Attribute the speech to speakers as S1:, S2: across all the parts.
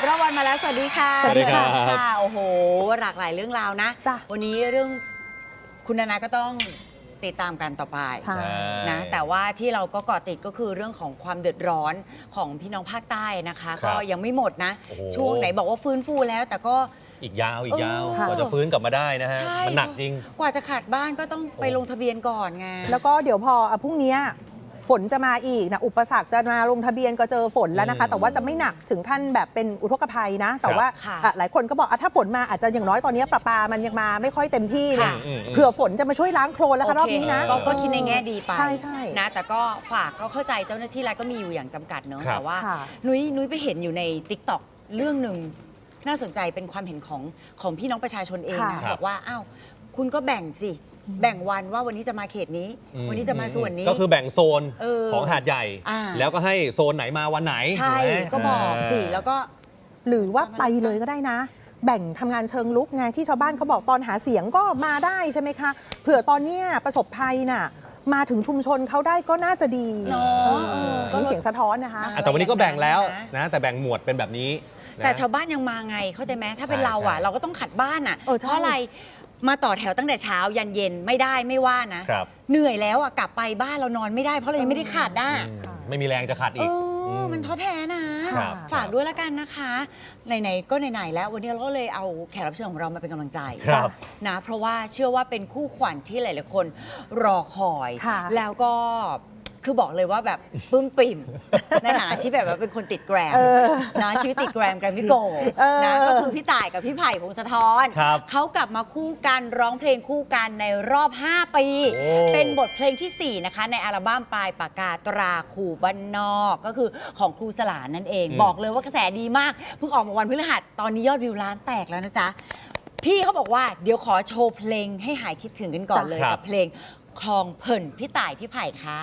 S1: รอบวันมาแล้วสวัสดีค่ะ
S2: สวัสดีครับ
S1: ค่ะโอ้โหหลากหลายเรื่องราวนะ
S3: จ้ะ
S1: วันนี้เรื่องคุณนานาก็ต้องติดตามกันต่อไป
S3: ใช่
S1: นะแต่ว่าที่เราก็เกาะติดก็คือเรื่องของความเดือดร้อนของพี่น้องภาคใต้นะคะ
S2: ครับ
S1: ก็ยังไม่หมดนะ
S2: โอ้โห
S1: ช่วงไหนบอกว่าฟื้นฟูแล้ว แต่ก็
S2: อีกยาวก
S1: ค่ะ
S2: กว่าจะฟื้นกลับมาได้นะฮะ
S1: ใช่
S2: มันหนักจริง
S1: กว่าจะขาดบ้านก็ต้องไปลงทะเบียนก่อนไง
S3: แล้วก็เดี๋ยวพอพรุ่งนี้ฝนจะมาอีกนะอุปสรรคจะมาลงทะเบียนก็เจอฝนแล้วนะคะ แต่ว่าจะไม่หนักถึงขั้นแบบเป็นอุทกภัยนะ แต่ว่า
S1: ค่ะ
S3: หลายคนก็บอกถ้าฝนมาอาจจะอย่างน้อยตอนนี้ประปามันยังมาไม่ค่อยเต็มที่เนี่ย
S1: ค่ะ
S3: เผื่อฝนจะมาช่วยล้างโคลนแล้วค่ะรอบนี้นะ
S1: ก็คิดในแง่ดีไป
S3: ใช่
S1: นะแต่ก็ฝากก็เข้าใจเจ้าหน้าที่รัฐก็มีอยู่อย่างจำกัดเนอะ
S2: ครับ
S1: แต่ว่า
S3: ค่ะ
S1: นุ้ยไปเห็นอยู่ใน TikTok เรื่องหนึ่งน่าสนใจเป็นความเห็นของพี่น้องประชาชนเองนะบอกว่าอ้าวคุณก็แบ่งสิแบ่งวันว่าวันนี้จะมาเขตนี้ วันนี้จะมาส่วนนี้
S2: ก็คือแบ่งโซน
S1: เออ
S2: ของหาดใหญ่
S1: อ่า
S2: แล้วก็ให้โซนไหนมาวันไหน
S1: ใช่
S2: ถูไหม
S1: ก็บอกสิแล้วก็
S3: หรือว่าไปเลยก็ได้นะ แบ่งทำงานเชิงลุกไงที่ชาวบ้านเขาบอกตอนหาเสียงก็มาได้ใช่ไหมคะเผื่อตอนเนี้ยประสบภัยน่ะมาถึงชุมชนเขาได้ก็น่าจะดี
S1: เนอะเออก็
S3: มีเสียงสะท้อนนะคะ
S1: อ่ะ
S2: แต่วันนี้ก็แบ่งแล้ว
S1: นะ
S2: นะแต่แบ่งหมวดเป็นแบบนี้นะ
S1: แต่ชาวบ้านยังมาไงเข้าใจไหมถ้าเป็น
S2: ใช่
S1: เราอ่ะ
S2: ใช่
S1: เราก็ต้องขัดบ้านอ่ะ
S3: เออใช่
S1: เพราะอะไรมาต่อแถวตั้งแต่เช้ายันเย็นไม่ได้ไม่ว่านะ
S2: ครับ
S1: เหนื่อยแล้วอ่ะกลับไปบ้านเรานอนไม่ได้เพราะเรายังไม่ได้ขัดอ่ะ
S2: ไม่มีแรงจะขัด
S1: เอ
S2: อีก
S1: อมันท้อแท้นะครับ ฝากด้วยละกันนะคะไหนๆก็ไหนๆแล้ววันนี้เราก็เลยเอาแขกรับเชิญของเรามาเป็นกำลังใจ
S2: ครับ
S1: นะเพราะว่าเชื่อว่าเป็นคู่ขวัญที่หลายๆคนรอคอย
S3: ค่ะ
S1: แล้วก็คือบอกเลยว่าแบบปลื้มปริ่ม ในฐานะที่แบบว่าเป็นคนติดแกรมนะชีวิตติดแกรมมิโกนะก็คือพี่ต่ายกับพี่ไผ่พงศธร
S2: ครับ
S1: เขากลับมาคู่กันร้องเพลงคู่กันในรอบ 5 ปี
S2: โอ้
S1: เป็นบทเพลงที่ 4 นะคะ ในอัลบั้มปลายปากกาตราขู่บ้านนอก ก็คือของครูสลานั่นเอง บอกเลยว่ากระแสดีมาก เพิ่งออกมาวันพฤหัสตอนนี้ยอดวิวล้านแตกแล้วนะจ๊ะ พี่เขาบอกว่าเดี๋ยวขอโชว์เพลงให้หายคิดถึงกันก่อนเลย
S2: ครับ
S1: กับเพลงคลองเพิ่นพี่ต่ายพี่ไผ่ค่ะ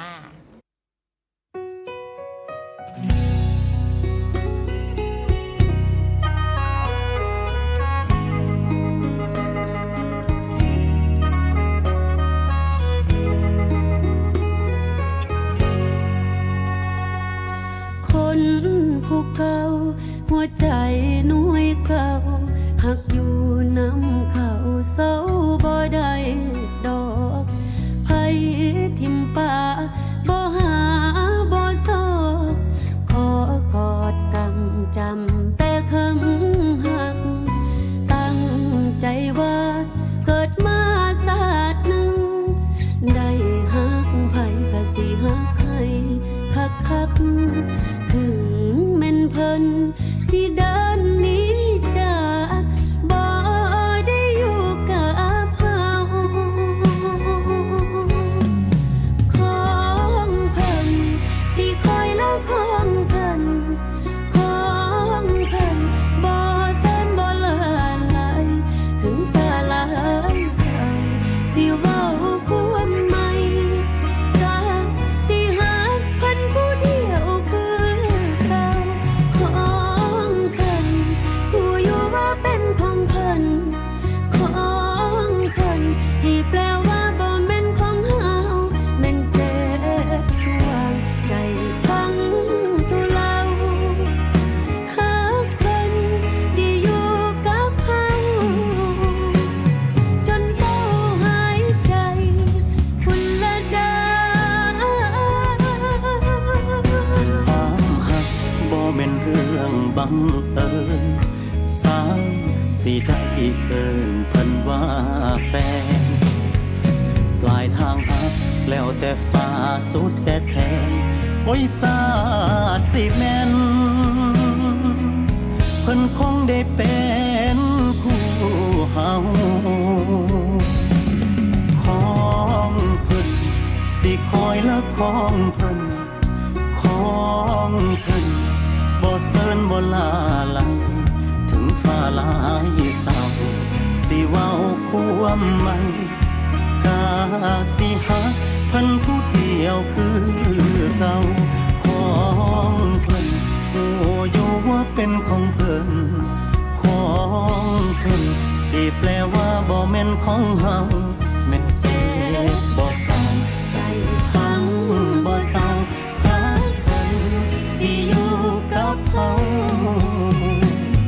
S4: คนผู้เก่าหัวใจหน่วยเก่าหักอยู่น้ำเขาเศร้าบ่ได้ดอกไผทิมป่าบ่หาบ่ซอกขอกอดกำจำแต่คำหัก ตั้งใจว่าเกิดมาศาสตร์หนึ่ง ได้หักไผก็สิหักให้คักๆ ถึงแม่นเพิ่นสิเดินหนีจากบ่ได้อยู่กับเฮาของเพิ่นสิคอยแล้วของเพิ่นของเพิ่นบ่แสนบ่เลื่อนไหลถึงฟ้าหลายสั่งสิเว้าความใหม่ก็สิหักเพิ่นผู้เดียวคือเก่าของเพิ่นผู้อยู่ว่าเป็นของเพิ่นของเพิ่นที่แปลว่าบ่แม่นของเฮาแม่นเจ็บสวงใจฟังสู่เราหักเพิ่นสิอยู่กับเฮาจนเศร้าหายใจพุ่นละเด้อ
S5: ความหักบ่แม่นเรื่องบังเอิญสาวสิได้เอิ้นเพิ่นว่าแฟน ปลายทางหักแล้วแต่ฟ้าสุดแต่แทนโอ้ยสาดสิแม่น เพิ่นคงได้เป็นคู่เฮาของเพิ่นสิคอยและของเพิ่นของเพิ่นบ่เซินบ่ลาลังถึงฟ้าหลายเศร้าสิเว้าความใหม่กาสิหักเพิ่นผู้เดียวคือเก่าของเพิ่นโอ้อยู่ว่าเป็นของเพิ่นของเพิ่นที่แปลว่าบ่แม่นของเฮาแม่นเจ็บบ่เศร้าใจพังบ่เศร้าหักเพิ่นสิอยู่กับเฮา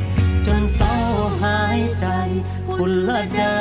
S5: คุณละดา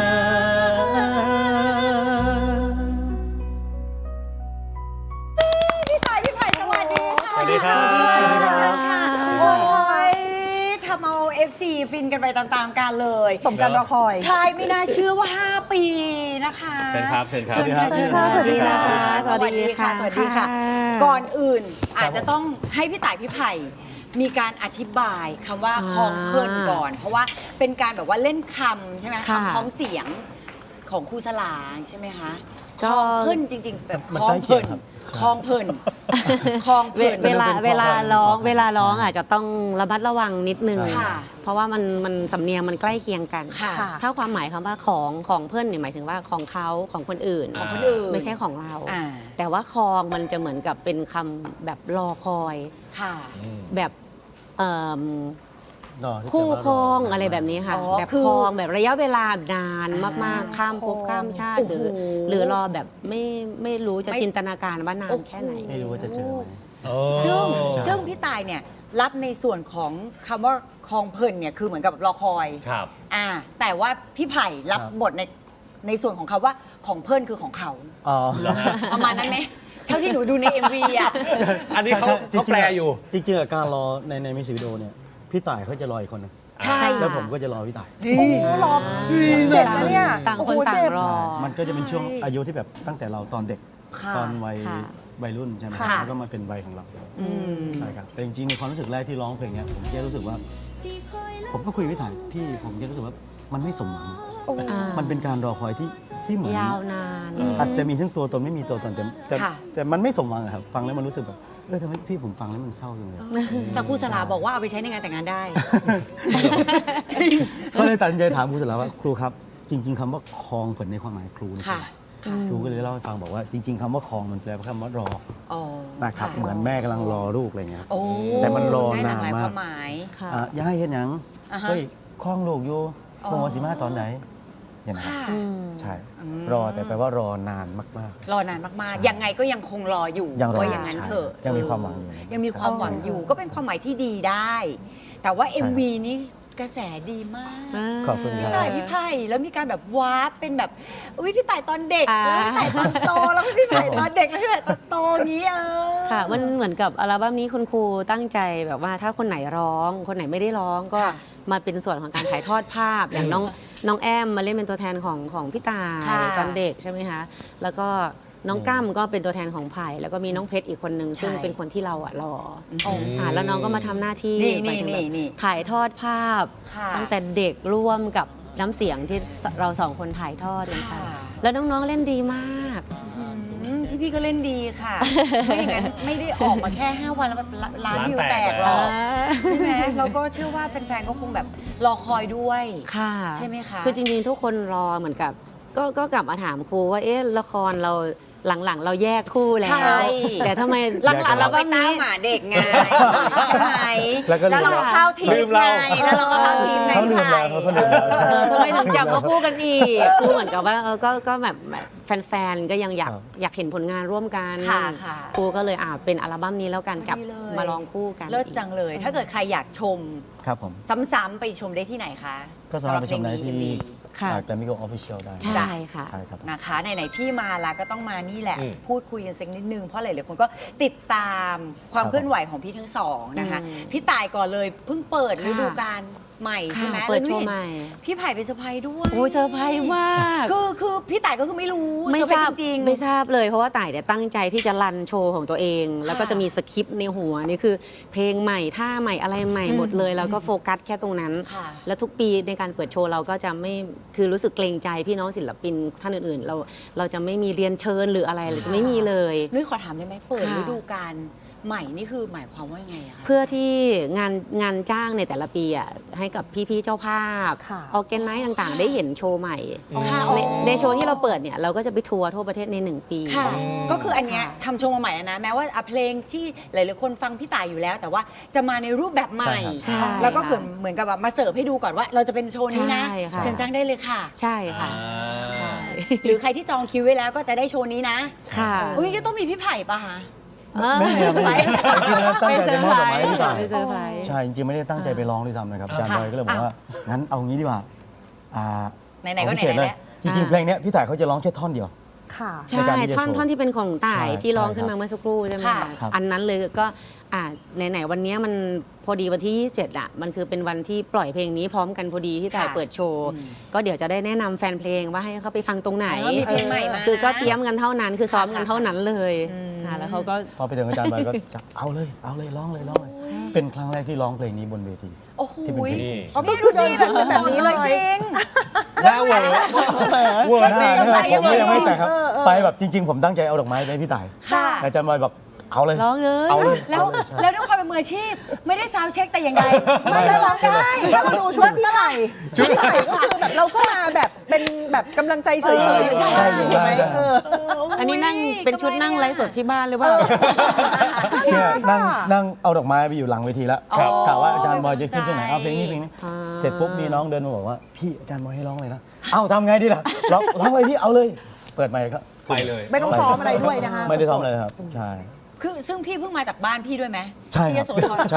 S1: พี่ต่ายพี่ไผ่สวัสดีค่ะ
S2: สวัสดีครับ
S1: สวัสดี
S3: สวัสดี
S1: ค่ะ
S3: ค่ะ
S1: โอ้ยทำเอา FC ฟินกันไปตามๆกันเลย
S3: สมการรอคอย
S1: ใช่ไม่น่าเชื่อว่า 5 ปีนะคะ
S2: เชิญครับเชิญครับ
S1: เชิญค่ะ
S3: สวัสดีค่ะ
S1: สวัสดีค่ะ สวัสดีค่ะ ก่อนอื่นอาจจะต้องให้พี่ต่ายพี่ไผ่มีการอธิบายคำว่าคลองเพลินก่อน เพราะว่าเป็นการแบบว่าเล่นคำใช่ไหม
S6: ค่ะ
S1: คำพ้องเสียงของครูสลางใช่ไหมคะค
S6: ก็
S1: ลองเพลินจริง ๆ แบบ
S5: มัน
S1: คลอง
S5: ใกล้
S1: เพ
S5: เคี
S1: ลิ
S5: ย
S1: น
S5: งครับ
S1: คลองเพลินคลองเพลิน
S6: เวลา
S5: มันเป็น
S6: เวลา
S5: คอ
S6: ร้อง
S5: คอ
S6: เวลาร้อง
S5: ใช่
S6: อาจจะต้องระมัดระวังนิดนึง
S1: ค่ะ
S6: เพราะว่ามันสำเนียงมันใกล้เคียงกัน
S1: ค่ะ
S6: ถ้าความหมายคำว่าของเพื่อนเนี่ยหมายถึงว่าของเขาของคนอื่น
S1: ของคนอื่น
S6: ไม่ใช่ของเรา
S1: อ่า
S6: แต่ว่าคองมันจะเหมือนกับเป็นคำแบบรอคอย
S1: ค่ะ
S6: แบบเอิ่ม
S5: รอที่
S6: คู่
S5: จะว่า
S6: ครอง
S5: ร
S6: อะไรแบบนี้ค่ะ
S1: อ๋อ
S6: แบบ
S1: คือ
S6: ครองแบบระยะเวลานานมากๆ ข้ามภพ
S3: ครอง
S6: ข้ามชาติ
S1: โอ้โห
S6: หรือรอแบบไม่รู้จะจินตนาการว่านานแค่ไหน
S5: ไม่รู้ว่าจะเจอไหม
S1: ซึ่งพี่ตายเนี่ยรับในส่วนของคำว่าคลองเพลินเนี่ยคือเหมือนกับรอคอย
S2: ครับ
S1: แต่ว่าพี่ไผ่รับบทในส่วนของคำว่าของเพลินคือของเขา
S5: อ๋อ
S1: ประมาณนั้นไหมเท่าที่หนูดูใน MV อ่ะ
S2: อันนี้เขา
S5: จริงๆ
S2: แปลอยู่
S5: จริงๆอะการรอในมิวสิกวิดีโอเนี่ยพี่ต่ายเขาจะรออีกคนนึง
S1: ใช่
S5: แล้วผมก็จะรอพี่ต่าย
S3: โอ้โหรอเจ็บนะเนี่ย
S6: ต่าง
S3: โอ้
S6: ค
S3: โห
S6: นต่าง
S3: เจ็บ
S6: รอ
S5: มันก็จะเป็นช่วงอายุที่แบบตั้งแต่เราตอนเด็ก
S1: ค่ะ
S5: ตอนวัย
S6: ค่ะ
S5: วัยรุ่นใช่ไหม
S1: ค่ะ
S5: แล้วก็มาเป็นวัยของเรา
S1: อืม
S5: ใช่ครับแต่จริงๆในความรู้สึกแรกที่ร้องเพลงเนี้ยผมแค่รู้สึกว่า ผมก็คุยกับพี่ถ่ายพี่ผมแค่รู้สึกว่ามันไม่สมหวัง
S6: อ่า
S5: มันเป็นการรอคอยที่เหมือน
S6: ยาวนาน
S5: อาจจะมีทั้งตัวตนไม่มีตัวตนแต่
S1: ค่ะ
S5: แต่มันไม่สมหวังอะครับฟังแล้วมันรู้สึกแบบทำไมพี่ผมฟังแล้วมันเศร้าจังเลย
S1: แต่ครูสลาบอกว่าเอาไปใช้ในงานแต่งงานได้ จริง
S5: ก็เลยตัดสินใจถามครูเสร็จแล้วว่าครูครับ จริง ๆคำว่าคลองผลในความหมายครูนี่
S1: ค่ะ
S5: ครูก็เลยเล่าให้ฟังบอกว่าจริง ๆคำว่าคลองมันแปลว่าคำว่ารอ
S1: อ๋อ
S5: นะครับเหมือนแม่กำลังรอลูกอะไรเงี้ย
S1: โอ้
S5: แต่มันรอ
S1: ได้หลากหลาย
S5: นานมาก
S1: ความหมาย
S6: ค่ะ
S5: ย่าให้เห็นหยัง
S1: อ่าฮะ
S5: เฮ้ยคลองลูกอยู่
S1: อ๋อ
S5: คงว่าสิมาตอนไหนอย่างนั้น
S1: ค่ะ
S6: อืม
S5: ใช่
S1: อืม
S5: รอแต่แปลว่ารอนานมาก
S1: รอนานมากๆ ยังไงก็ยังคงรออยู่
S5: ยังรอ
S1: ว่าอย่างนั้น
S5: ใช่
S1: เถอะ
S5: ยังมีความหวังอยู่
S1: ยังมีความหวังอยู่ ก็เป็นความหมายที่ดีได้ แต่ว่า MV นี้กระแสดีมาก
S5: ขอบคุณค
S1: พี่
S5: รับ
S1: ต่ายพี่ไผ่แล้วมีการแบบวาร์ปเป็นแบบอุ้ยพี่ต่ายตอนเด็ก
S6: อ่า
S1: แล้วพี่ต่ายตอนโตแล้วพี่ไผ่ตอนเด็กแล้วพี่ไผ่ตอนโตอย่างนี้
S6: ค่ะมันเหมือนกับอัลบั้มนี้คุณครูตั้งใจแบบว่าถ้าคนไหนร้อง คนไหนไม่ได้ร้องก็
S1: ค่ะ
S6: มาเป็นส่วนของการถ่ายทอดภาพ อย่างน้องแอมมาเล่นเป็นตัวแทนของพี่ตาย
S1: ค่ะ
S6: ตอนเด็กใช่ไหมคะแล้วก็น้องก้ามก็เป็นตัวแทนของไผ่แล้วก็มีน้องเพชรอีกคนนึง
S1: ใช่
S6: ซึ่งเป็นคนที่เราอะรอ
S1: อ๋อ
S6: แล้วน้องก็มาทำหน้าที่
S1: นี่
S6: หมายถึงแบบ
S1: นี่
S6: ถ่ายทอดภาพ
S1: ค่ะ
S6: ตั้งแต่เด็กร่วมกับน้ำเสียงที่เราสองคนถ่ายทอดกันไป
S1: ค่ะ
S6: แล้วน้องๆเล่นดีมาก
S1: พี่ก็เล่นดีค่ะ ไม่อย่างนั้นไม่ได้ออกมาแค่ 5 วันแล้วแบบล้านวิวแตกหรอกใช่ไหมแล้วก็เชื่อว่าแฟนๆ ก็คงแบบรอคอยด้วย
S6: ค่ะ
S1: ใช่ไหมคะ
S6: คือจริงๆ ทุกคนรอเหมือนกับ ก็กลับมาถามครูว่า เอ๊ะ ละครเราหลังๆ เราแยกคู่แล้
S1: ใช่
S6: ว แต่ทำไม
S1: หลังๆเราไป
S6: อัลบั้ม
S1: ตาม
S6: นี้
S1: หมาเด็กไงใช่ไหม
S5: แล้วก็ลืม
S1: เราก็เข้าที
S2: ลื
S1: ม
S2: ม
S1: ไง
S2: เรา
S1: แล้วเราก็เข้าทีมใน
S5: เขาลืม
S1: ไท
S5: แล้ว
S1: ย
S5: เขาลืมแล้ว
S6: ทำไมถึงจับมาคู่กันอีกครูเหมือนกับว่าก็แบบแฟนๆ ก็ยังอยาก
S5: ครับ
S6: อยากเห็นผลงานร่วมกัน
S1: ค่ะค่ะ
S6: ครูก็เลยเป็นอัลบั้มนี้แล้วกันจับ
S1: ดีเลย
S6: มาลองคู่กัน
S1: เลิศจังเลย ถ้าเกิดใครอยากชม
S5: ครับผม
S1: ซ้ำๆไปชมได้ที่ไหนคะ
S5: ก็สามารถไปชมได้ที่
S1: MV
S6: ค่ะ
S5: แกรมมี่โกออฟฟิเชียลได้
S6: ใช่ค่ะ
S5: ใช่ครับ
S1: นะคะไหนๆพี่มาแล้วก็ต้องมานี่แหละ
S2: อืม
S1: พูดคุยกันสักนิดนึงเพราะหลายๆคนก็ติดตามความ
S5: ครับ
S1: เคลื่อนไหวของพี่ทั้งสองนะคะ
S6: อืม
S1: พี่ตายก่อนเลยเพิ่งเปิด
S6: ค่ะ
S1: ฤดูกาลใหม่ใช่ไหม
S6: ค่ะเปิด
S1: แล้ว
S6: โช
S1: นี่
S6: ว์ใหม่
S1: พี่ไผ่ไปเซอร์ไพรส์ด้วย
S6: โอ้ยเซอร์ไพรส์มาก
S1: คือพี่ต่ายก็คือไม่รู้
S6: ไม่
S1: เซอ
S6: ทราบ
S1: พส์จริงๆ
S6: ไม่ทราบเลยเพราะว่าต่ายเนี่ยตั้งใจที่จะรันโชว์ของตัวเอง แล้วก็จะมีสคริปต์ในหัวนี่คือ เพลงใหม่ท่าใหม่อะไรใหม่หมดเลย แล้วก็โฟกัสแค่ตรงนั้น
S1: ค่ะ
S6: แล้วทุกปีในการเปิดโชว์เราก็จะไม่คือรู้สึกเกรงใจพี่น้องศิลปินท่านอื่นๆ เราจะไม่มีเรียนเชิญหรืออะไรเราจะไม่มีเลย
S1: นุ้ยขอถามได้ไหมเปิด
S6: ค่ะ
S1: ฤดูกาลใหม่นี่คือหมายความว่ายังไงอะคะ
S6: เพื่อที่งานจ้างในแต่ละปีอ่ะให้กับพี่ๆเจ้าภาพ
S3: ค่ะ
S6: ออแกนไนซ์ต่างๆ ได้เห็นโชว์ใหม่
S1: ค่ะ
S6: ในโชว์ที่เราเปิดเนี่ยเราก็จะไปทัวร์ทั่วประเทศใน 1 ปี
S1: ค่ะ ก็คืออันเนี้ยทำโชว์มาใหม่แล้วนะ แม้ว่าเพลงที่หลายๆคนฟังพี่ต่ายอยู่แล้ว แต่ว่าจะมาในรูปแบบใหม่
S6: ใช่ครับ
S1: แล้วก็
S6: ใช่
S1: เหมือนกับแบบมาเสิร์ฟให้ดูก่อนว่า เราจะเป็นโชว์นี้นะ
S6: ใช่ค่ะ
S1: เชิญจ้างได้เลยค่ะ
S6: ใช่ค่ะ
S1: หรือใครที่จองคิวไว้แล้วก็จะได้โชว์นี้นะ
S6: ค่ะ
S1: อุ้ยก็ต้องมีพี่ไผ่ปะคะ
S5: ไม่มีครับไม่มีจริงๆแล้วตั้งใจไปมอบดอกไม้ให้พี่ต่าย
S6: ไปเซอร์ไพรส์
S5: ใช่จริงๆไม่ได้ตั้งใจไปร้องด้วยซ้ำนะครับอาจารย์
S1: ค่ะ
S5: บอยก็เลยบอกว่างั้นเอางี้ดีกว่าอ่า
S1: ไหนๆก็ไหนๆแล้ว
S7: จริงๆเพลงเนี้ยพี่ต่ายเขาจะร้องแค่ท่อนเดียว
S3: ค่ะ
S7: ใน
S6: ใช่
S7: การที่จะ
S6: ท่อน
S7: โชว์
S6: ท่อนที่เป็นของต่าย
S7: ใช่
S6: ที่ร้อง
S7: ใช่
S6: ขึ้นมา
S7: ครับ
S6: เมื่อสักครู่ใช่ไหม
S1: ค่ะ
S6: คะ
S7: ครับ
S6: อันนั้นเลยก็ไหนๆวันเนี้ยมันพอดีวันที่27อ่ะมันคือเป็นวันที่ปล่อยเพลงนี้พร้อมกันพอดีที่ต่าย
S1: ค่ะ
S6: เปิดโชว์ ก็เดี๋ยวจะได้แนะนำแฟนเพลงว่าให้เขาไปฟังตรงไหน
S1: มีเพลงใหม่มา
S6: คือก็เตรียมกันเท่านั้นคือซ้อมกันเท่านั้นเลยแล้วเขาก็
S7: พอไปถึงอาจารย์บอยก็จะเอาเลยร้องเลยเป็นครั้งแรกที่ร้องเพลงนี้บนเวที
S1: โอ้โห
S7: ที่เป็นเพลง
S2: นี่
S1: นี่ดูสิแบบสดๆเลยจริง
S2: หน้าเวอร์เวอร์จริง
S7: ผมก็ยังไม่แต่งครับ ไปแบบจริง ๆ ผมตั้งใจเอาดอกไม้ไปให้พี่ต่าย
S1: ค่ะ
S7: แต่อาจารย์บอยบอกเอาเลย
S6: ร้องเลย
S7: เอาเลย
S1: แล้ว
S7: เอาเยใช่
S1: แล้วด้วยความเป็นมืออาชีพ ไม่ได้ซาวด์เช็คแต่อย่างใดแล้วร้องได้
S3: ถ้าเราดูชุดพี่ไผ่พี่ไผ่ก็คือแบบเราก็มาแบบเป็นแบบกำลังใจเฉยๆอยู่
S7: ใช่อยู่
S3: ไหม
S7: ได้
S6: อันนี้นั่งเป็นชุดนั่งไลฟ์สดที่บ้านหรือเปล่า
S7: เนี่ยนั่งเอาดอกไม้ไปอยู่หลังเวทีแล้ว
S1: ครับ
S7: กะว่าอาจารย์บอยจะขึ้นช่วงไหนเอาเพลงนี้
S6: อ่า
S7: เสร็จปุ๊บมีน้องเดินมาบอกว่าพี่อาจารย์บอยให้ร้องเลยนะเอ้าทำไงดีล่ะร้องเลยพี่เอาเลย เปิดไมค์ก็
S2: ไปเลย
S3: ไม่ต้องซ้อมอะไรด้วยนะคะ
S7: ไม่ได้ซ้อมเลยครับใช่
S1: คือซึ่งพี่เพิ่งมาจากบ้านพี่ด้วยไหม
S7: ใช่
S1: ที่
S7: ค
S1: ย
S7: รับ
S1: โสธร
S7: ใช่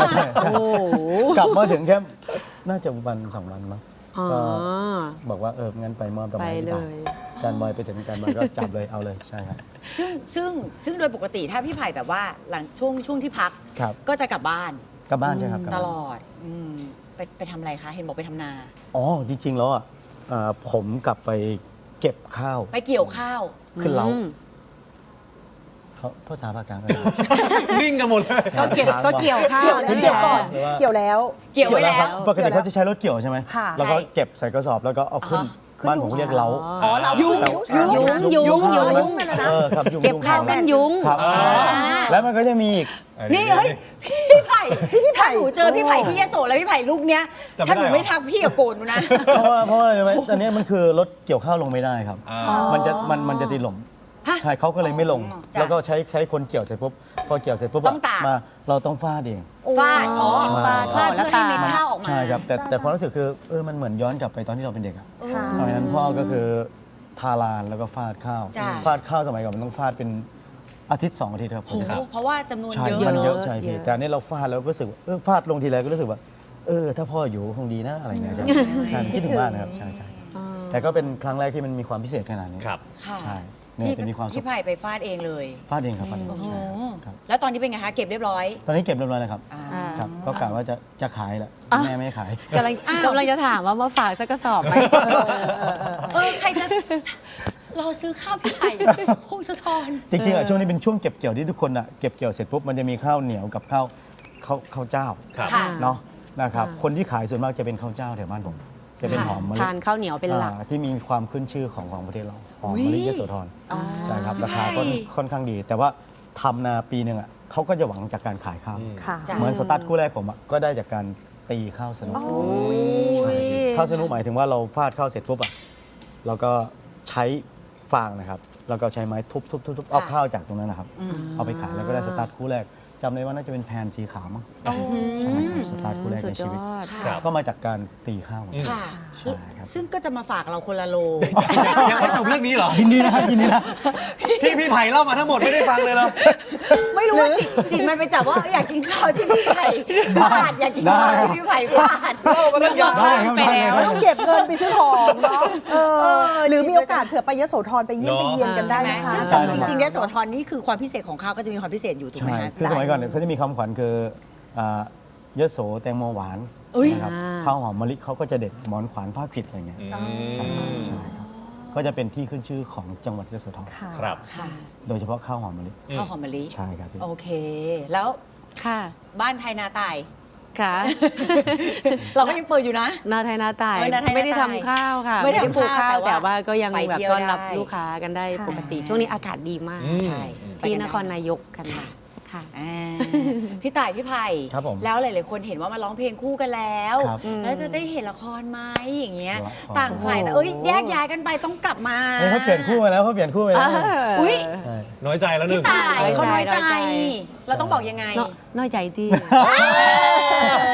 S6: โอ้โห
S7: กลับมาถึงแค่น่าจะวัน2 วันมั้ง
S6: อ๋อ
S7: ก็บอกว่างั้นไปมอบดอก
S6: ไป
S7: ไม้ให้
S6: เล
S7: พี่ต่าย
S6: ย
S7: อาจารย์บอยไปถึงอาจารย์บอยก็จับเลยเอาเลยใช่ครับ
S1: ซึ่งโดยปกติถ้าพี่ไผ่แบบว่าหลังช่วงที่พัก
S7: ครับ
S1: ก็จะกลับบ้าน
S7: กลับบ้านใช่ครับกลับ
S1: ต
S7: บ้าน
S1: ลอดไปทำอะไรคะ เห็นบอกไปทำนา
S7: อ๋อจริงๆแล้วอ่ะผมกลับไปเก็บข้าว
S1: ไปเกี่ยวข้าว
S7: ขึ้นเล้า
S6: อืม
S7: เขาภาษาภาคกลางก็
S2: นิ่งกันหมดเลย
S6: ก็เกี่ยวข้าว
S3: เกี่ยวก่อนเกี่ยวแล้ว
S1: เกี่ยวไว้แล้ว
S7: ปกติเขาจะใช้รถเกี่ยวใช่ไหม
S3: ค่ะ
S7: แล้วก็
S1: ใช่
S7: เก็บใส่กระสอบแล้วก็เอาขึ้นบ้านผมเรียกเล้า
S1: อ๋อเรายุง
S6: ยุง
S7: ข้าว
S6: ยุง
S7: ไหมครับยุง
S6: เก็บข้าวเป็นยุง
S7: ครับแล้วมันก็จะมีอีก
S1: นี่เฮ้ยพี่ไผ่ถ้าหนูเจอพี่ไผ่ที่ยโสแล้วพี่ไผ่ลูกเนี้ย
S2: จำไม่ได้
S1: ถ้าหนูไม่ทักพี่กับโกรธหนูนะ
S7: เพราะว่าใช่ไหมตอนนี้มันคือรถเกี่ยวข้าวลงไม่ได้ครับ มันจะติดหล่ม
S1: ฮะ
S7: ใช่เขาก็เลยไม่ลง
S1: จ้ะ
S7: แล้วก็ใช้คนเกี่ยวเสร็จปุ๊บพอเกี่ยวเสร็จปุ๊บ
S1: ต้องตาก
S7: มาเราต้องฟาดเอง
S1: ฟาดอ๋อ
S7: ฟาด
S1: ฟาดเพื่อให้เม็ดข้าวออกมา
S7: ใช่ครับแต่ความรู้สึกคือมันเหมือนย้อนกลับไปตอนที่เราเป็นเด็กอะ
S3: ค่ะ
S7: สมัยนั้นพ่อก็คือทาลานแล้วก็ฟาดข้าว
S1: จ้ะ
S7: ฟาดข้าวสมัยก่อนมันต้องฟาดเป็นอาทิตย์2 อาทิตย์ครับ
S1: โอ้โหเพราะว่าจำนวน
S7: ใช่
S1: เยอะ
S7: มันเยอะ
S1: เนอะ
S7: ใช่พี่
S6: เยอะ
S7: แต่อันนี้เราฟาดแล้วก็รู้สึกว่าฟาดลงทีไรก็รู้สึกว่าถ้าพ่ออยู่คงดีนะอะไรเงี้ยใช่ใช่คิดถึงบ้านนะครับใช่แต่ก็เป็นครั้งแรกที่มันมีความพิเศษขนาดนี้
S2: ครับ
S1: ค่ะ
S7: ใช่เนี่ย
S1: ที่
S7: จะมีความสุข
S1: พี่ไผ่ไปฟาดเองเลย
S7: ฟาดเองครับฟาดเอง
S1: โอ้โห
S7: ใช่ครับ
S1: แล้วตอนนี้เป็นไงคะ เก็บเรียบร้อย
S7: ตอนนี้เก็บเรียบร้อยแล้วครับ
S1: อ่า
S7: ครับก็กะว่าจะขายแหละแม่ไม่ให้ขาย
S6: กำลังจะถามว่ามาฝากสักกระสอบไหม
S1: ใครจะรอซื้อข้าวพี่ไผ่พงศธร
S7: จริงๆอ่ะช่วงนี้เป็นช่วงเก็บเกี่ยวที่ทุกคนอ่ะเก็บเกี่ยวเสร็จปุ๊บมันจะมีข้าวเหนียวกับข้าวเจ้า
S2: ครับ
S1: ค่ะ
S7: เนาะนะครับคนที่ขายส่วนมากจะเป็นข้าวเจ้าแถวบ้านผมจะเป็นหอมมะลิ
S6: ทานข้าวเหนียวเป็นหลัก
S7: ที่มีความขึ้นชื่อของประเทศเราหอม
S1: อุ๊ย
S7: มะลิยโสธรใช่ครับราคาก็ค่อนข้างดี แต่ว่าทำนาปีหนึ่งอ่ะเขาก็จะหวังจากการขายข้าว
S3: ค่ะ
S1: จ้ะ
S7: เหมือนสตาร์ทคู่แรกผมอ่ะก็ได้จากการตีข้าวสนุก
S6: โอ้ย
S7: ข้าวสนุกหมายถึงว่าเราฟาดข้าวเสร็จปุ๊บอ่ะเราก็ใช้ฟางนะครับแล้วก็ใช้ไม้ทุบเอาข้าวจากตรงนั้นนะครับ เอาไปขายแล้วก็ได้สตาร์ทคู่แรกจำได้ว่าน่าจะเป็นแพนสีขาวมั้งใช่ครับสตาร์ทคู่แรก
S6: สุ
S7: ใน
S6: ดย
S7: ชีวิต
S6: อด
S2: ครับ
S7: ก็มาจากการตีข้าว
S1: ค่ะ
S7: ใช่ครับ
S1: ซึ่งก็จะมาฝากเราคนละโล
S2: ยังไม่จบเรื่องนี้เหรอ
S7: ยินดีนะครับยินดีนะ
S2: ที่พี่ไผ่เล่ามาทั้งหมดไม่ได้ฟังเลยเหรอ
S1: ไม่รู้ว่าจิตมันไปจับว่าอยากกินข้าวที่พี่ไผ่ฟาดอยากกินข้าวที่พี่ไผ่ฟาด
S2: เล่ามาตั้งยาว
S7: ได้ครับได้ครับ
S3: ต้องเก็บเงินไปซื้อของเนาะหรือมีโอกาสเผื่อไปยโสธรไปเยี่ยมไปเยียนกันได้
S1: ใช่ไหม
S3: นะคะ
S1: ซึ่งแต่จริงๆยโสธรนี่คือความพิเศษของข้าวก็จะมีความพิเศษอยู่ถูกไหม
S7: ใช่
S1: คะ
S7: คือสมัยก่อนเนี่ยเขาจะมีคำขวัญคืออ่ายโสแตงโมหวาน
S1: อุ๊ย
S7: นะครับข้าวหอมมะลิเขาก็จะเด็ดหมอนขวานผ้าขวิดอะไรเงี้ยใช่ครับก็จะเป็นที่ขึ้นชื่อของจังหวัดยโสธร
S3: ค่ะ
S2: ครับ
S1: ค่ะ
S7: โดยเฉพาะข้าวหอมมะลิ
S1: ข้าวหอมมะลิ
S7: ใช่ครับพี่
S1: โอเค แล้ว
S6: ค่ะ
S1: บ้านไทยนาตาย
S6: ค่ะ
S1: เราก็ยังเปิดอยู่นะ
S6: นาไทยนาตาย
S1: นาไทยนาตาย
S6: ไม่ได้ทำข้าวค่ะ
S1: ไม่ได้
S6: ปลูก
S1: ทำข้าว
S6: ข้าว
S1: แต่
S6: แต่
S1: ว่า
S6: ว่าก็ยัง
S1: ไป
S6: แบบ
S1: เที่ยว
S6: ต้อนรับ
S1: ได้
S6: ลูกค้ากันได้
S3: ค่ะ
S6: ปกติ ช่วงนี้อากาศดีมาก
S1: ใช่
S6: ที่
S1: ไปกัน
S6: น
S1: ได้
S6: ครนายกกัน
S1: ค่ะ
S6: ค่ะ
S1: อ่าพี่ต่ายพี่ไผ่
S7: ครับผม
S1: แล้วหลายๆคนเห็นว่ามาร้องเพลงคู่กันแล้ว
S7: ครับ
S1: แล้วจะได้เห็นละครไหมอย่างเงี้ย
S7: ละคร
S1: ต่างฝ่ายแต่แยกย้ายกันไปต้องกลับมา
S7: เขาเปลี่ยนคู่มาแล้วเขาเปลี่ยนคู่ไปแล้ว
S1: อุ้ย
S7: ใช่
S2: น้อยใจแล้วหนึ่ง
S1: ต่ายเขาน้อยใจ
S6: น้อยใจ
S1: เราต้องบอกยังไง
S6: น้อยใจที่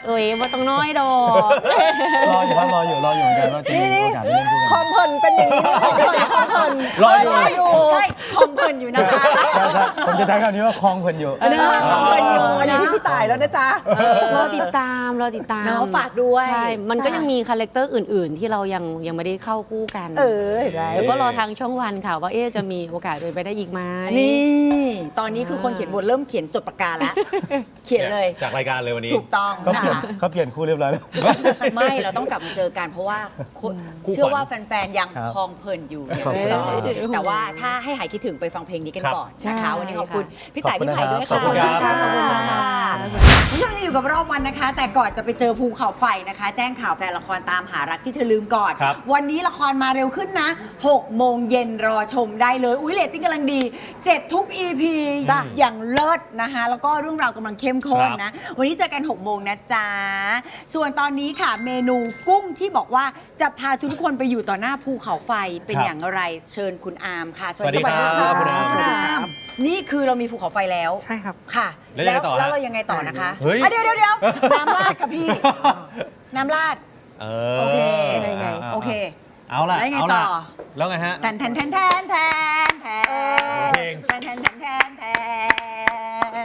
S6: เอ้ยว่าต้องน้อยดอก
S7: รออยู่ครับรออยู่เหมือนกันว่าจะมีโอกาสได้เล่นคู่
S3: ค
S7: กั
S3: อน มเพลินเป็นอย่างนี้คอมเพลินคอมเพลิน
S2: รออยู่
S1: ใช่คอมเพลินอยู่นะคะ
S7: ใช่ผมจะใช้คำนี้ว่าคลองเพลินอยู่
S3: อันนี้ที่พี่ตายแล้วนะจ๊ะ
S6: รอติดตามรอติดตาม
S1: เนาะฝากด้วย
S6: ใช่ มันก็ยังมีคาแรคเตอร์อื่น ๆ ที่เรายังไม่ได้เข้าคู่กัน
S3: เห็นไหม
S6: เดี๋ยวก็รอทางช่องวันค่ะว่าจะมีโอกาสเป็นไปได้อีกไหม
S1: นี่ ตอนนี้คือคนเขียนบทเริ่มเขียนจดปากกาแล้ว เขียนเลย
S2: จากรายการเลยวันนี้
S1: ถูกต้อง
S7: เขาเปลี่ยนคู่เรียบร้อยแล้ว
S1: ไม่เราต้องกลับมาเจอกันเพราะว่าคน
S2: คู่ขวัญ
S1: เชื่อว่าแฟนๆ ยัง
S7: ครับ
S1: คลองเพลินอยู่
S7: ขอบคุณครับ
S1: แต่ว่าถ้าให้หายคิดถึงไปฟังเพลงนี้กัน
S2: ครับ
S1: ก่อนนะคะ
S6: ใช่
S1: วันนี้ขอบคุณ
S6: ค่ะ
S1: พี่ต่าย
S7: ขอบคุ
S1: พี่
S7: ณ
S1: ไผ่ด้วย
S7: ขอบ
S1: ค่ะ
S7: คุณครับ
S1: ขอบคุณค่ะคุณผู้ชมยังอยู่กับรอบวันนะคะ แต่ก่อนจะไปเจอภูเขาไฟนะคะ แจ้งข่าวแฟนละครตามหารักที่เธอลืมก่อน
S2: ครับ
S1: วันนี้ละครมาเร็วขึ้นนะ6 โมงเย็นรอชมได้เลยอุ้ยเรตติ้งกำลังดี 7 ทุก EP
S3: จ้ะ
S1: อย่างเลิศนะคะแล้วก็เรื่องราวกำลังเข้มข้น
S2: ครับ
S1: นะ วันนี้เจอกัน 6 โมงนะจ๊ะ ส่วนตอนนี้ค่ะเมนูกุ้งที่บอกว่าจะพาทุกคนไปอยู่ต่อหน้าภูเขาไฟเป็น
S2: ครับ
S1: อย่างไรเชิญคุณอาร์มค่ะ
S2: สวัสดีครับคุณอาร์ม
S1: คุณอาร์มนี่คือเรามีภูเขาไฟแล้ว
S8: ใช่ครับ
S1: ค่ะ
S2: แล้วยังไงต่อฮะ
S1: แล้วเรายังไงต่อนะคะ
S2: เฮ้ย
S1: อ่ะเดี๋ยวน้ำราดค่ะพี่ น้ำราด โอเค โอเค
S2: เอาล่ะ
S1: แล้วยังไง
S2: เอาล่ะ
S1: ต่อ
S2: แล้วไงฮะ
S1: แทนแทนแทนแทนแทนแทน
S2: เพลง
S1: แทนแทนแทนแทนแทน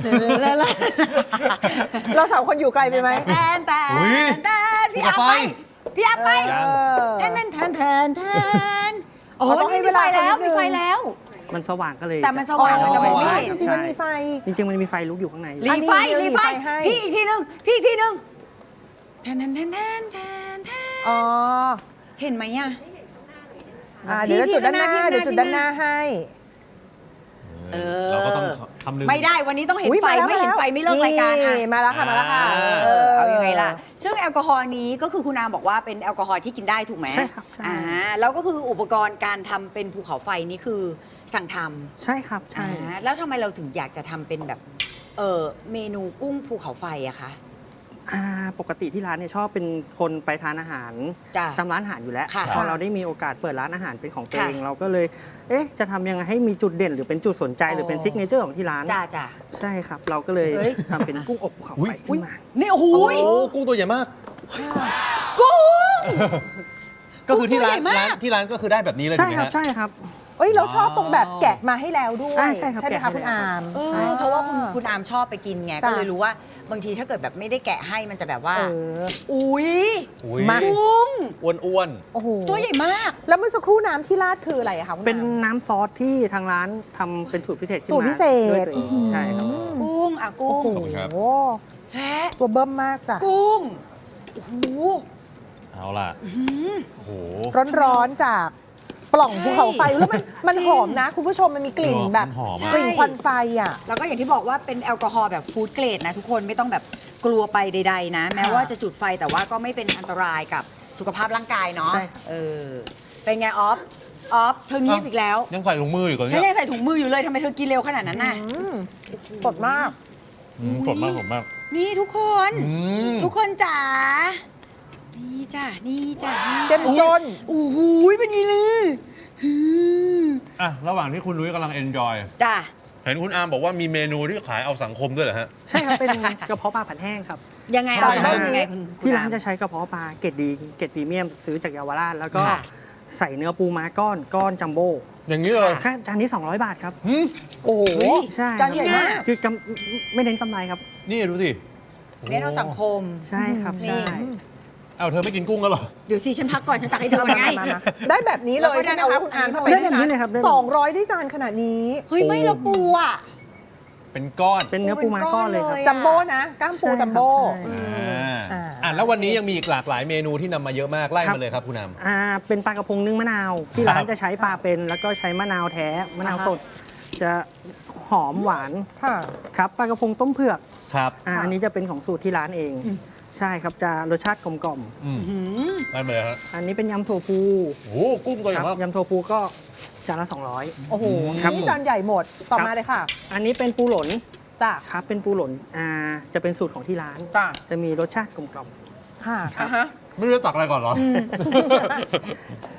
S3: เราสามคนอยู่ไกลไปไหม
S1: แทนแท
S2: อุ๊ย
S1: นแทนพี่อาร์ม
S2: ภูเขา
S1: ไป
S2: ไฟ
S1: พี่อาร์มไป แทนแทนแทนแทนแทนโอ้
S3: ต้องให้
S1: มีไฟแล้ว
S3: เวลานิดนึ
S1: มี
S3: ง
S1: ไฟแล้ว
S8: มันสว่างก็เลย
S1: แต่มันสว่างมันจะมองไม่เห็น
S3: จริงๆมันมีไฟ
S8: จริงๆมันมีไฟลุกอยู่ข้างใน
S1: รีไฟ
S3: อันนี้
S1: รีไฟ
S3: รีไฟให้
S1: พี่อีกทีนึงพี่อีกทีนึงแทนแทนแทนแทนแทนแทน
S3: อ๋อ
S1: เห็นไหมอ่ะ
S3: เดี๋ยวจุดด้านหน้า
S1: พี่
S3: เดี๋ยวจุดด้านหน้าให้
S1: เออ
S2: เราก็ต้องทำลืม
S1: ไม่ได้วันนี้ต้องเห็น
S3: อุ๊ย
S1: ไฟ
S3: มาแล้ว
S1: ไม่เห็นไฟไม่เลิกรายการค่ะ
S3: นี่มาแล้วค่ะมาแล้วค่ะ
S1: เอายังไงล่ะ ซึ่งแอลกอฮอล์นี้ก็คือคุณอามบอกว่าเป็นแอลกอฮอล์ที่กินได้ถูกไหม
S8: ใช่ครับใช่
S1: แล้วก็คืออุปกรณ์การทำเป็นภูเขาไฟนี่คือสั่งท
S8: ใช่ครับ
S1: ำ
S8: ใช่
S1: แล้วทำไมเราถึงอยากจะทำเป็นแบบเมนูกุ้งภูเขาไฟอะคะ
S8: ปกติที่ร้านเนี่ยชอบเป็นคนไปทานอาหาร
S1: จ้ะ
S8: ตามร้านอาหารอยู่แล้ว
S1: ค่ะ
S8: พอเราได้มีโอกาสเปิดร้านอาหารเป็นของตัว
S1: ค่ะ
S8: เองเราก็เลย จะทำยังไงให้มีจุดเด่นหรือเป็นจุดสนใจหรือเป็นซิกเนเจอร์ของที่ร้าน
S1: จ้าจ้า
S8: ใช่ครับ เราก็เลย
S1: เฮ้ย
S8: ทำเป็นกุ้งอบภูเขาไฟขึ้นมา
S1: นี่โอ้โห
S2: โอ้กุ้งตัวใหญ่มาก
S1: กุ้ง
S2: ก็คือที่ร้าน
S1: กุ้งตัวใหญ่มาก
S2: ที่ร้านก็คือได้แบบนี้เลย
S8: ใช่
S2: ถูกไหม
S8: ครับ
S2: ฮะ
S8: ใช่ครับ
S3: เอ้ยเราชอบตรงแบบแกะมาให้แล้วด้วย
S8: ใช่ครับ
S3: ไหม
S8: แกะ
S3: คะ
S8: ให้
S3: คุณ
S8: แล้ว
S3: อาม
S1: เพราะว่าคุณอามชอบไปกินไง
S3: จ้ะ
S1: ก็เลยรู้ว่าบางทีถ้าเกิดแบบไม่ได้แกะให้มันจะแบบว่า
S3: อุ้ย
S2: อุ้ย
S3: มา
S1: กุ้ง
S2: อ้วน
S3: โอ้โห
S1: ตัวใหญ่มาก
S3: แล้วเมื่อสักครู่น้ำที่ราดคืออะไรอะคะคุณอาม
S8: เป็นน้ำซอสที่ทางร้านทำเป็นสูตรพิเศษขึ้น
S3: สูตร
S8: มา
S3: พิเศษ
S8: ด้วยตัวเองใช่ครับ
S1: กุ้งกุ้ง
S3: โอ้โห
S1: และ
S3: ตัวเบิ้มมากจ้ะ
S1: กุ้งโอ้โห
S2: ๆเอาล่ะโอ้โห
S3: ร้อนๆจากปล่อง
S1: ใช่
S3: ภูเขาไฟแล้วมัน
S1: จริง
S3: หอมนะ คุณผู้ชมมันมีกลิ่นแบบ
S2: มันหอม
S1: ใช่
S3: กลิ่นควันไฟอ่ะ
S1: แล้วก็อย่างที่บอกว่าเป็นแอลกอฮอล์แบบฟู้ดเกรดนะทุกคนไม่ต้องแบบกลัวไปใดๆนะ แม้ว่าจะจุดไฟแต่ว่าก็ไม่เป็นอันตรายกับสุขภาพร่างกายเนาะ
S8: ใช่ครับ
S1: เป็นไงออฟเธอเงียบอีกแล้ว
S2: ยังใส่ถุงมืออยู่ก่อน
S1: ฉัน
S2: เนี่ย
S1: ยังใส่ถุงมืออยู่เลยทำไมเธอกินเร็วขนาดนั้นน่ะ
S3: สดมาก
S2: สดมากสดมาก
S1: นี่ทุกคน
S2: อืม
S1: ทุกคนจ๋านี่จ้ะนี่จ้ะนี่
S3: เจ้มจน
S1: โอ้โหเป็นไงเลยอืม
S2: อ่ะระหว่างที่คุณนุ้ยกำลังเอนจอย
S1: จ้ะ
S2: เห็นคุณอาร์มบอกว่ามีเมนูที่ขายเอาสังคมด้วยเหรอฮะ
S8: ใช่ครับ เป็นกระเพาะปลาผัดแห้งครับ
S1: ยังไง
S2: ใช่
S1: เอา
S2: ครั
S1: เริ่
S2: บ
S1: มยังไงคุณ
S8: ที่ร้าน
S1: อม
S8: จะใช้กระเพาะปลาเกรดดีเกรดพรีเมียมซื้อจากเยาวราชแล้วก็
S1: ค่ะ
S8: ใส่เนื้อปูม้าก้อนจัมโบ้
S2: อย่างนี้เลย
S8: แค่จานนี้ 200 บาทครับ
S3: โอ้โห
S8: ใช่
S3: จานใหญ่มาก
S8: คืไม่เน้นกำไรครับ
S2: นี่ดูสิ
S1: เน้นเอาสังคม
S8: ใช่ครับ
S1: นี่
S8: ใช่
S2: เอาเธอไม่กินกุ้งกันเหรอ
S1: เดี๋ยวสิฉันพักก่อนฉันตักให้เธอไง
S3: มาได้แบบนี้เลย
S1: แล้วก็
S3: ใช่ไหม
S1: เอา
S3: คะคุณอาม
S1: อันนี้
S3: ทำ
S1: ไป
S3: ไม
S8: ได้แบบนี้เลยครับได้แบบนี้
S3: 200ได้จานขนาดนี้
S1: เฮ้ยไม่ละปูอ่ะ
S2: เป็นก้อน
S8: เป็นเนื้อปูม้าก้อนเลยครับ
S1: เป็นก้อนเลย
S3: จัมโบ้นะกล้ามปู
S8: ใช่ครับ
S3: จัมโบ้
S8: ใช่
S2: อ่าแล้ววันนี้ยังมีอีกหลากหลายเมนูที่นำมาเยอะมากไล่มาเลยครับคุณอาร์ม
S8: เป็นปลากระพงนึ่งมะนาว ที่
S2: ครับ
S8: ร้านจะใช้ปลาเป็น แล้วก็ใช้มะนาวแท้มะนาวสดจะหอมหวาน
S3: ค่ะ
S8: ครับปลากระพงต้มเผือก
S2: ครับ
S8: อันนี้จะเป็นของสูตรที่ร้านเอง ใช่ครับจะรสชาติกลมกล่อม
S2: ไล่มาเลยฮะ
S8: อันนี้เป็นยำถั่วพู
S2: โอ้โหกุ้งตัวให
S8: ค
S2: ญ่
S8: รับ
S2: มาก
S8: ยำถั่วพูก็จานละ
S3: โอ้โห
S8: ครับ
S3: นี่จานใหญ่หมด ต่อมาเลยค่ะ
S8: 200 อันนี้เป็นปูหลน
S3: จ้ะ
S8: ครับเป็นปูหลนจะเป็นสูตรของที่ร้าน
S1: จ้ะ
S8: จะมีรสชาติกลมกล่อม
S3: ค่ะ
S8: ครับ
S1: อ่ะฮะ
S2: ไม่รู้จะตักอะไรก่อนเหรอ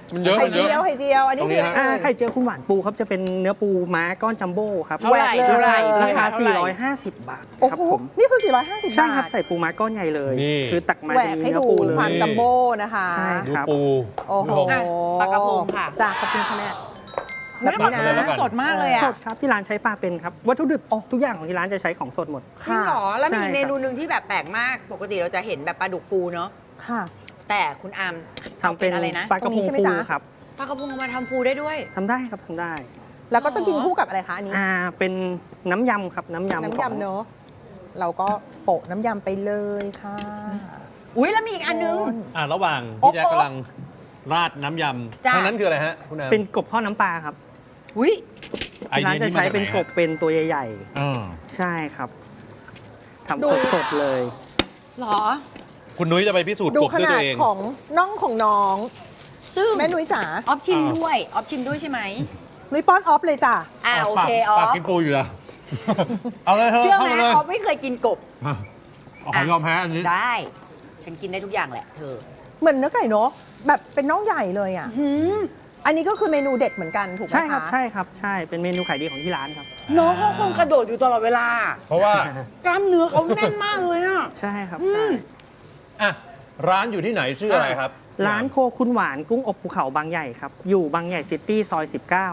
S2: มันเยอะ
S3: ไข่
S2: มันเย
S3: เจียว
S2: อะ
S3: ไข่เจียว อันนี้
S2: ตรงนี้
S3: คือ
S2: ฮะ
S8: ไข่เจียวคุณหวานปูครับจะเป็นเนื้อปูม้าก้อนจัมโบ้ครับ
S1: เท่าไหร่
S3: เท่าไหร่
S8: ราคา
S1: เท่าไหร่
S8: 450 บาท
S3: โอ้
S8: ครับ
S3: โห
S8: ผม
S3: นี่คือ 450 บาท
S8: ใช่ครับใส่ปูม้าก้อนใหญ่เลย
S2: นี่
S8: คือตักมา
S3: แหว
S8: จะ
S3: ก
S8: มี
S3: ให้
S8: เนื้อ
S3: ดู
S8: ปูเลย
S3: ความจัมโบ้นะคะ
S8: ใช่
S2: ดู
S8: ครับ
S2: ปู
S3: โอ้โห
S2: คุณผู้ชม
S1: อ่ะปลากระพงค่ะ
S3: จ้าขอบคุณค่ะแม่
S1: ไม่ได้
S3: แบบนี้
S1: ปลากระพง
S3: นะ
S1: สดมากเลยอ่ะ
S8: สดครับที่ร้านใช้ปลาเป็นครับวัตถุดิบทุกอย่างของที่ร้านจะใช้ของสดหมด
S1: จริงเหรอ แล้วมี
S8: ใช่
S1: อีกเมนูหนึ่งที่แบบแปลกมาก ปกติเราจะเห็นแบบปลาดุกฟูเนาะ
S3: ค่ะ
S1: แต่คุณอาม
S8: ทำเป็น
S1: อะไรนะ
S8: ปลากระ
S3: ตรงนี้
S8: พง
S3: ใช่ไหม
S8: ฟู
S3: จ๊ะ
S8: ครับ
S1: ปลากระพงเอามาทำฟูได้ด้วย
S8: ทำได้ครับทำได้
S3: แล้วก็ต้องกินคู่กับอะไรคะอันนี้
S8: เป็นน้ำยำครับน้ำยำ
S3: น้ำ
S8: ของ
S3: ยำเนอะเราก็โปะน้ำยำไปเลยค่ะ
S1: อุ้ยแล้วมีอีกอันนึง
S2: ระหว่าง
S1: โอ๊ะ
S2: ที่แจ๊คกำลังราดน้ำย
S1: จ้ะ
S2: ำทางนั้นคืออะไรฮะคุณน้ำ
S8: เป็นกบทอดน้ำปลาครับ
S1: อุ้ย
S2: ไอ
S8: ที่
S2: เดี
S8: ร้าย นจะ
S2: นี้มา
S8: ใช้
S2: จากไห
S8: เป็น
S2: น
S8: กบเป็นตัวใหญ่
S2: อ่า
S8: ๆ ใช่ครับ
S3: ดู
S8: ทำสดๆเลย
S1: เหรอ
S2: คุณนุ้ยจะไปพิสูจน์
S3: ดู
S2: กบ
S3: ข
S2: ด้วย
S3: นา
S2: ตั
S3: ด
S2: วเอง
S3: ของน่องของน้อง
S1: ซึ่ง
S3: แม่นุ้ยจ๋า
S1: ออฟชิมด้วย ออฟชิมด้วยใช่ไหม
S3: นุ้ยป้อนออฟเลยจ้ะ
S1: โอเคอ
S2: ปา
S1: อก ฟ
S2: กินปูอยู่แล้ว เอาเลยเธอ
S1: เชื่อไหม
S2: เข้าาเลย
S1: ออฟไม่เคยกินกบ
S2: ขอยอมแพ้อันนี้
S1: ได้ ฉันกินได้ทุกอย่างแหละเธอ
S3: เหมือนเนื้อไก่เนอะแบบเป็นน่องใหญ่เลยอ่ะ
S1: หืม
S3: อันนี้ก็คือเมนูเด็ดเหมือนกันถูกไหม
S8: ใช่ครับ
S3: คะ
S8: ใช่ครับใช่เป็นเมนูขายดีของที่ร้านครับ
S1: น้องเขาคงกระโดดอยู่ตลอดเวลา
S2: เพราะว่า
S1: กล้ามเนื้อเขาแน่นมากเลยอ่ะ
S8: ใช่ครับ
S1: อืม
S8: ใช่
S2: อ่ะร้านอยู่ที่ไหนชื่ออะไรครับ
S8: ร้านโคคุณหวานกุ้งอบภูเขาบางใหญ่ครับ อยู่บางใหญ่ซิตี้ซอย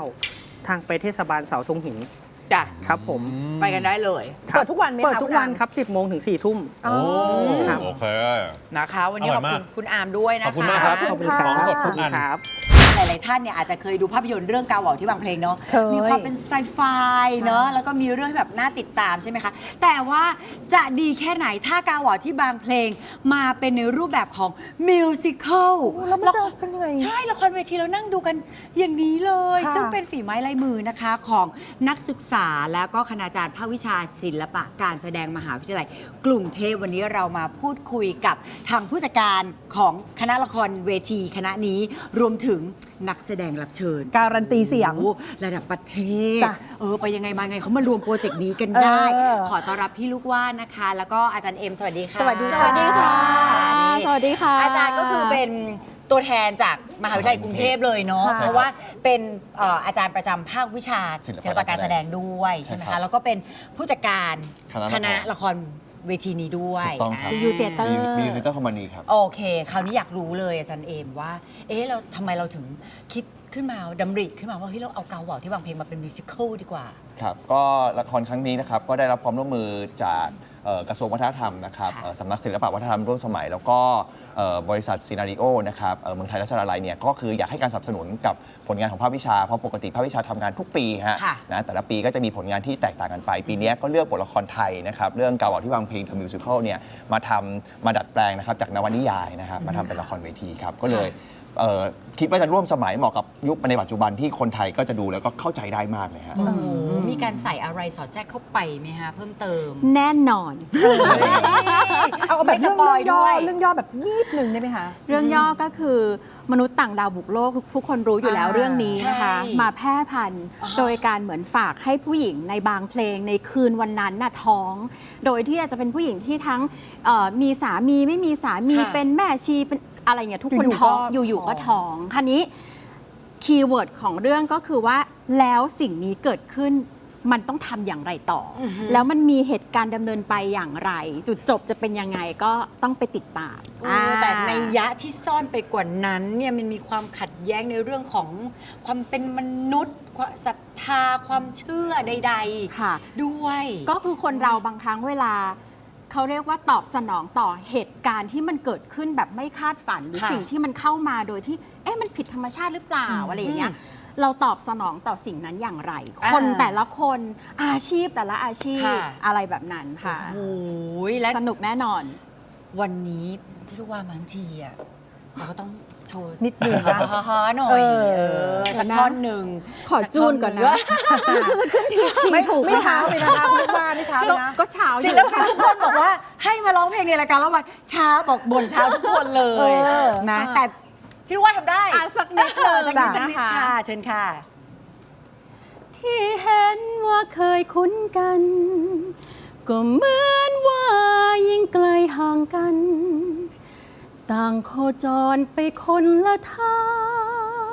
S8: 19 ทางไปเทศบาลเสาธงหิน
S1: จ้ะ
S8: ครับผม
S1: ไปกันได้เลย
S8: ครับ
S3: เปิดทุกวันไหมคะ
S8: เปิดทุกวัน
S3: คุณอาม
S8: ครับ 10 โมงถึง 4 ทุ่ม
S2: โอ้
S8: ครับ
S2: โอเค
S1: นะคะ วันนี้
S2: อ
S1: ข
S2: ร่
S1: อ
S2: อบ ย
S1: คุ
S2: มาก
S1: ณคุณอามด้วยนะคะ
S2: ขอบคุณมากครับ
S8: ขอบคุณค
S2: ข
S8: รั
S2: อบ งสดทุกอัน
S8: ครับ
S1: หลายๆท่านเนี่ยอาจจะเคยดูภาพยนตร์เรื่องกาวเหว่าที่บางเพลงเนาะ
S3: เคย
S1: มีความเป็นไซไฟเนาะแล้วก็มีเรื่องที่แบบน่าติดตามใช่ไหมคะ แต่ว่าจะดีแค่ไหนถ้ากาวเหว่าที่บางเพลงมาเป็นในรูปแบบของมิวสิควล
S3: แล้วมันจะเป็นยังไง
S1: ใช่ละครเวทีเรานั่งดูกันอย่างนี้เลย
S3: ค่ะ
S1: ซึ่งเป็นฝีไม้ลายมือนะคะของนักศึกษาแล้วก็คณาจารย์ภาควิชาศิลปะการแสดงมหาวิทยาลัยกรุงเทพวันนี้เรามาพูดคุยกับทางผู้จัดการของคณะละครเวทีคณะนี้รวมถึงนักแสดงรับเชิญ
S3: การันตีเสียง
S1: โอ้ระดับประเทศ
S3: จ้ะ
S1: ไปยังไงมาไงเขามารวมโปรเจกต์นี้กันได้ ขอต้อนรับพี่ลูกว่านนะคะ แล้วก็อาจารย์เอ็มสวัสดีค่ะ
S3: สวัสดี
S6: สวัสดีค่ะ
S1: นี่
S6: สวัสดีค่ะ
S1: อาจารย์ก็คือเป็นตัวแทนจากมหาวิทยาลัยกรุงเทพเลยเนาะ
S3: ค่ะ
S1: เพราะว่าเป็นอาจารย์ประจำภาควิชาศิลปะการแสดงด้วยใช่ไหม
S9: ใช่ครั
S1: คะ
S9: บ
S1: แล้วก็เป็นผู้จัดการ
S9: คณะละคร
S1: ละครเวทีนี้ด้วย
S9: ถูกต้องครับ
S6: อยู่ Theater
S9: มีลิตเติ้ลคอมมานีครับ
S1: โอเค คราวนี้อยากรู้เลยอาจารย์เอมว่า เราทำไมเราถึงคิดขึ้นมาดำริขึ้นมาว่าเฮ้ยเราเอาเกาเหว่าที่บางเพลงมาเป็นมิวสิควลดีกว่า
S9: ครับ ก็ละครครั้งนี้นะครับ ก็ได้รับความร่วมมือจากกระทรวงวัฒนธรรมนะครับ
S1: ค่ะ
S9: สำนักศิลปะวัฒนธรรมร่วมสมัย แล้วก็บริษัทซีนาริโอนะครับเมืองไทยรัชดาลัยเนี่ยก็คืออยากให้การสนับสนุนกับผลงานของภาควิชา เพราะปกติภาควิชาทำงานทุกปีฮะ
S1: ค่ะ
S9: นะแต่ละปีก็จะมีผลงานที่แตกต่างกันไป ปีนี้ก็เลือกบทละครไทยนะครับเรื่องเกาเหว่าที่วางเพลง The Musical เนี่ยมาดัดแปลงนะครับจากนวนิยายนะครับมาทำเป็นละครเวทีครับก็เลยคิดว่าจะร่วมสมัยเหมาะกับยุคในปัจจุบันที่คนไทยก็จะดูแล้วก็เข้าใจได้มากเลยฮะ
S1: โอ้โหมีการใส่อะไรสอดแทรกเข้าไปไหมฮะเพิ่มเติม
S6: แน่นอน
S3: เอาแบบ
S1: ไม่สปอยด้วย
S3: เรื่องย่อแบบนิดนึงได้ไหมคะ
S6: เรื่องย่อก็คือมนุษย์ต่างดาวบุกโลกทุกคนรู้อยู่แล้วเรื่องนี้นะคะ
S1: ใช่
S6: มาแพร่พันธุ์โดยการเหมือนฝากให้ผู้หญิงในบางเพลงในคืนวันนั้นน่ะท้อง โดยที่อาจจะเป็นผู้หญิงที่ทั้งมีสามีไม่มีสามี
S1: ค่ะ
S6: เป็นแม่ชีเป็นอะไรเงี้ยทุกคน
S3: อยู่ๆ
S6: ท้อง
S3: ก็
S6: อยู่ๆก็ท้องคันนี้คีย์เวิร์ดของเรื่องก็คือว่าแล้วสิ่งนี้เกิดขึ้นมันต้องทำอย่างไรต่ออแล้วมันมีเหตุการณ์ดำเนินไปอย่างไร จุดจบจะเป็นยังไงก็ต้องไปติดตาม
S1: แต่ในยะที่ซ่อนไปกว่านั้นเนี่ยมันมีความขัดแย้งในเรื่องของความเป็นมนุษย์ความศรัทธาความเชื่อใด
S6: ค่ะ
S1: ๆ ด้วย
S6: ก็คือคนเราบางครั้งเวลาเขาเรียกว่าตอบสนองต่อเหตุการณ์ที่มันเกิดขึ้นแบบไม่คาดฝันหรือ
S1: ค่ะ
S6: สิ่งที่มันเข้ามาโดยที่มันผิดธรรมชาติหรือเปล่าอะไรอย่างเงี้ยเราตอบสนองต่อสิ่งนั้นอย่างไร คนแต่ละคนอาชีพแต่ละอาชีพ
S1: ค่ะ
S6: อะไรแบบนั้นค่ะ
S1: โอ้ยและ
S6: สนุกแน่นอน
S1: วันนี้พี่ลูกว่าบางทีอ่ะเราก็ต้องโชว์
S3: นิดนึงนะ
S1: ฮ่าๆหน่อยสักท่อนหนึ่ง
S6: ขอจูนก่อนนะ
S3: ไม่ไม่เช้าเลยนะคะคุณว่าไม่เช้าเลยนะ
S6: ก็เช้าอ
S1: ศิ
S6: ยู่
S1: ลปินทุกคนบอกว่าให้มาร้องเพลงในรายการแล้ววันเช้าบอกบ่นเช้าทุกคนเลย
S3: เออ
S1: นะ แต่พี่ลูกว่าทำได้
S6: สักนิดเลย
S1: สักนิดค่ะ เชิญค่ะ
S6: ที่เห็นว่าเคยคุ้นกัน ก็เหมือนว่ายิ่งไกลห่างกัน ต่างโคจรไปคนละทาง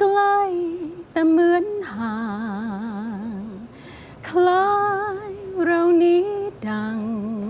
S6: ใกล้แต่เหมือนห่าง คล้ายเรานี้ดัง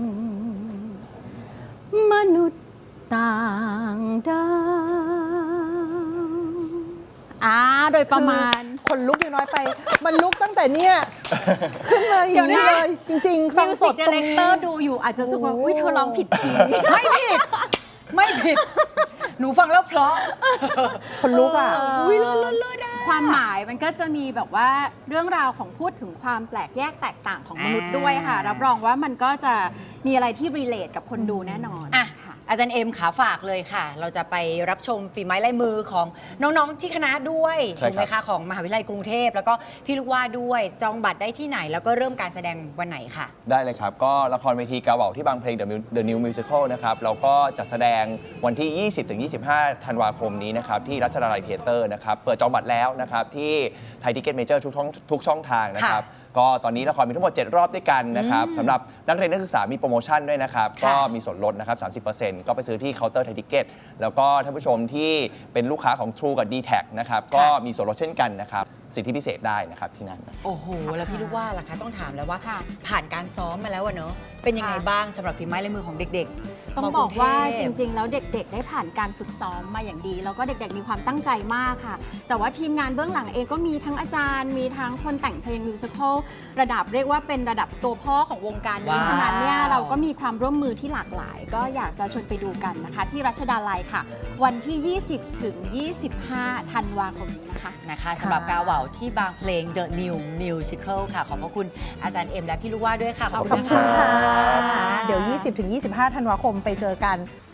S6: มนุษย์ต่างดาวโดยประมาณ
S3: คนลุกยังน้อยไป มันลุกตั้งแต่เนี่ยขึ้นมาอย่างนี้เลย จริง ๆ ฟัง
S6: มิว
S3: ส
S6: สิ
S3: ด
S6: กดี
S3: ตรง
S6: เลก
S3: นี้
S6: เตอร์ดูอยู่อาจจะรู้สึกว่า
S3: โอ้
S6: อุ้ยเธอร้องผิดคีย์
S1: ไม่ผิด ไม่ผิด หนูฟังแล้วเพราะ
S3: คนลุกอ่ะ
S1: อุ้ยเลิศๆ
S6: ความหมายมันก็จะมีแบบว่าเรื่องราวของพูดถึงความแปลกแยกแตกต่างของมนุษย์ด้วยค่ะ รับรองว่ามันก็จะมีอะไรที่รีเลทกับคนดูแน่นอน
S1: อ่ะ
S6: ค่ะ
S1: อาจารย์เอ็มขาฝากเลยค่ะ เราจะไปรับชมฝีไม้ลายมือของน้องๆที่คณะด้วย
S9: ใช่
S1: ถูกไหม
S9: ครั
S1: คะ
S9: บ
S1: ของมหาวิทยาลัยกรุงเทพแล้วก็พี่ลูกว่าด้วยจองบัตรได้ที่ไหน แล้วก็เริ่มการแสดงวันไหนค่ะ
S9: ได้เลยครับ ก็ละครเวทีกาเหว่าที่บางเพลง The New Musical นะครับเราก็จัดแสดงวันที่ 20-25 ธันวาคมนี้นะครับที่รัชดาลัยเธียเตอร์นะครับเปิดจองบัตรแล้วนะครับที่ไทยทิเก็ตเมเจอร์ทุกช่องทางนะครับก็ตอนนี้ละครมีทั้งหมด 7 รอบด้วยกันนะครับสำหรับนักเรียนนักศึกษามีโปรโมชั่นด้วยนะครับ
S1: ค่ะ
S9: ก็มีส่วนลดนะครับ 30% ก็ไปซื้อที่เคาน์เตอร์ไทยทิเก็ตแล้วก็ท่านผู้ชมที่เป็นลูกค้าของ True กับ D-Tag นะครับก็มีส่วนลดเช่นกันนะครับสิทธิพิเศษได้นะครับที่นั่น
S1: โอ้โห แล้วพี่ลูกว่าล่ะคะต้องถามแล้วว่า
S6: ค่ะ
S1: ผ่านการซ้อมมาแล้วอะเนอะเป็นยังไง
S6: ค่ะ
S1: บ้างสำหรับฝีไม้ลายมือของเด็กๆ
S6: ต้อง
S1: ม
S6: บอกว่า
S1: รุเท
S6: จ
S1: พ
S6: ริง ๆ แล้วเด็กๆ ได้ผ่านการฝึกซ้อมมาอย่างดี แล้วก็เด็กๆ มีความตั้งใจมากค่ะ แต่ว่าทีมงานเบื้องหลังเองก็มีทั้งอาจารย์ มีทั้งคนแต่งเพลงมิวสิควลระดับเรียกว่าเป็นระดับตัวพ่อของวงการนี้
S1: ว้าว
S6: ฉะนั้นเนี่ยเราก็มีความร่วมมือที่หลากหลาย ก็อยากจะชวนไปดูกันนะคะ ที่รัชดาลัยค่ะ วันที่ 20 ถึง 25 ธันวาคมนี้นะคะ
S1: นะคะสำหรับกาเหว่าที่บางเพลง The New Musical ค่ะ ขอบพระคุณอาจารย์เอ็มและพี่ลูกว่าด้วยค่ะ ขอบ
S3: ข
S1: คุ
S3: อบ
S1: ณ
S3: คุณ
S1: ค่ะ
S3: ค่ะ เดี๋ยว 20-25 ธันวาคมไปเจอกัน